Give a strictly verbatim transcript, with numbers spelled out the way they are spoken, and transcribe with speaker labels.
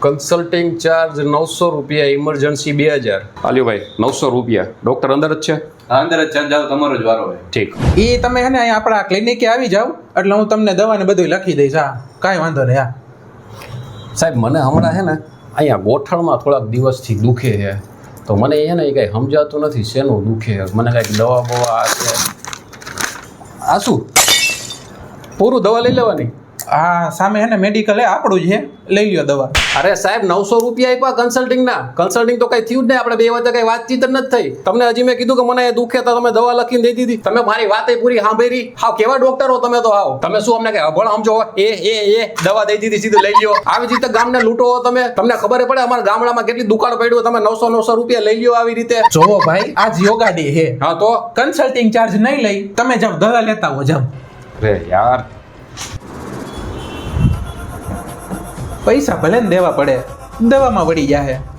Speaker 1: Consulting charge નવસો રૂપિયા, emergency બે હજાર. આલ્યો ભાઈ નવસો રૂપિયા. ડોક્ટર અંદર જ છે?
Speaker 2: હા અંદર જ ચાર્જ જાવ, તમારો જ વારો હોય.
Speaker 1: ઠીક.
Speaker 3: એ તમે હે ને અહીંયા આપણા ક્લિનિકે આવી જાવ એટલે હું તમને દવા ને બધું લખી દઈશ. હા કાંઈ વાંધો નહીં. હા
Speaker 1: સાહેબ મને હમણાં છે ને અહીંયા ગોઠણમાં થોડાક દિવસથી દુખે છે, તો મને એ ને કંઈ સમજાતું નથી શેનું દુખે. મને કાંઈક દવા બવા આ છે. આ શું પૂરું દવા લઈ લેવાની?
Speaker 3: હા સામે હે ને મેડિકલ હે આપણું જ છે, લઈ લ્યો દવા.
Speaker 1: અરે સાહેબ નવસો રૂપિયા આપ્યા કન્સલ્ટિંગના. કન્સલ્ટિંગ તો કઈ થયું જ નહીં. આપણે બે વચ્ચે કઈ વાતચીત જ નથી થઈ. તમને હજી મેં કીધું કે મને એ દુખે તો તમે દવા લખીને દઈ દીધી. તમે મારી વાત પૂરી સાંભળી. હાવ કેવા ડોક્ટર હો તમે તો. હાવ તમે શું અમને કઈ અભણ સમજો? એ એ એ દવા દઈ દીધી, સીધું લઈ લ્યો. આવી રીતે ગામને લૂંટો હો તમે. તમને ખબર પડે અમારા ગામડામાં કેટલી દુકાન પડ્યું, તમે નવસો નવસો રૂપિયા લઈ લ્યો આવી રીતે.
Speaker 3: જોવો ભાઈ આજ યોગા ડે હે.
Speaker 1: હા તો
Speaker 3: કન્સલ્ટિંગ ચાર્જ નહીં લઈ, તમે જાવ દવા લેતા હો જાવ.
Speaker 1: રે યાર
Speaker 3: પૈસા ભલે ને દેવા પડે, દવામાં વળી જાહે.